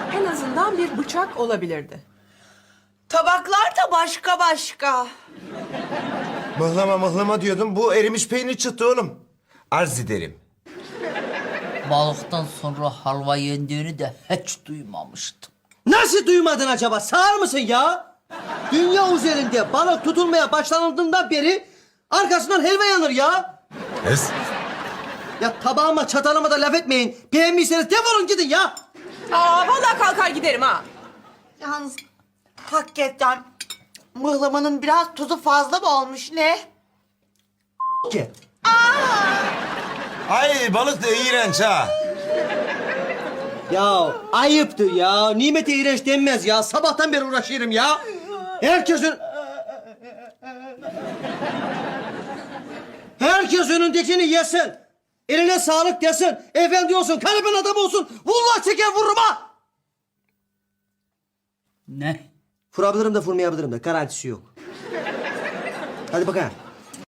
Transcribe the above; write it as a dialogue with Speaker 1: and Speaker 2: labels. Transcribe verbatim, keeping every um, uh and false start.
Speaker 1: En azından bir bıçak olabilirdi.
Speaker 2: Tabaklar da başka başka.
Speaker 3: Mıhlama mıhlama diyordum. Bu erimiş peynir çıktı oğlum. Arz ederim.
Speaker 4: Balıktan sonra halva yendiğini de hiç duymamıştım.
Speaker 5: Nasıl duymadın acaba? Sağır mısın ya? Dünya üzerinde balık tutulmaya başlanıldığından beri arkasından helva yanır ya.
Speaker 3: Kız.
Speaker 5: Ya tabağıma çatalıma da laf etmeyin. Beğenmiyseniz defolun gidin ya.
Speaker 1: Aa vallahi kalkar giderim ha.
Speaker 2: Yalnız hakikaten mıhlamanın biraz tuzu fazla mı olmuş ne?
Speaker 5: Ki.
Speaker 3: Ay balık da iğrenç ha.
Speaker 5: Ya ayıptır ya. Nimete iğrenç denmez ya. Sabahtan beri uğraşıyorum ya. Herkesin... Herkes önündekini yesin. Eline sağlık desin. Efendi olsun, kalben adam olsun. Vallahi çeker vururum ha.
Speaker 4: Ne?
Speaker 5: Vurabilirim de vurmayabilirim de. Garantisi yok. Hadi bakalım.